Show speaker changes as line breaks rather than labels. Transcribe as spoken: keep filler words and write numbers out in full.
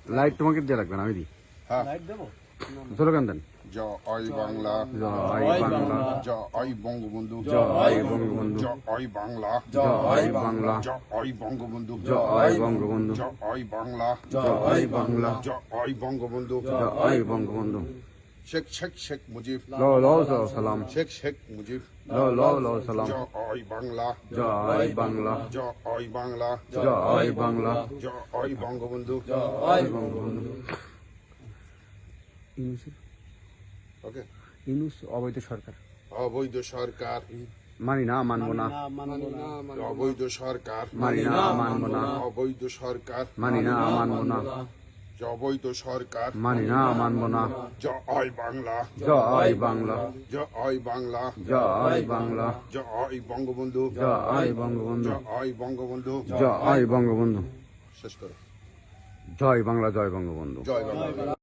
Light তোমাকে দিয়ে রাখবেন, আমি দিই।
হ্যাঁ
স্লোগান দেন।
জয় বাংলা,
জয় বাংলা,
জয় বঙ্গবন্ধু,
জয় বঙ্গবন্ধু,
জয় বাংলা,
জয় বাংলা,
জয় বঙ্গবন্ধু,
জয় বঙ্গবন্ধু,
জয় বাংলা,
জয় বাংলা,
জয় বঙ্গবন্ধু,
জয় বঙ্গবন্ধু।
শেখ শেখ শেখ মুজিব,
লো লো সালাম,
শেখ শেখ মুজিব,
লো লো লো সালাম।
জয় বাংলা,
জয় বাংলা,
জয় বাংলা,
জয় বাংলা,
জয় বঙ্গবন্ধু,
জয় বঙ্গবন্ধু।
ওকে।
ইউনূস অবৈধ সরকার,
অবৈধ সরকার
মানি না, মানবো না,
অবৈধ সরকার
মানি না, মানবো না,
অবৈধ সরকার
মানি না, মানবো না,
অবৈধ সরকার
মানি না, মানবো না।
জয় বাংলা,
জয় বাংলা,
জয় বাংলা,
জয় বাংলা,
জয় বঙ্গবন্ধু,
জয় বঙ্গবন্ধু,
জয় বঙ্গবন্ধু।
জয় বঙ্গবন্ধু।
শেষ করো।
জয় বাংলা, জয় বঙ্গবন্ধু।
জয় বাংলা।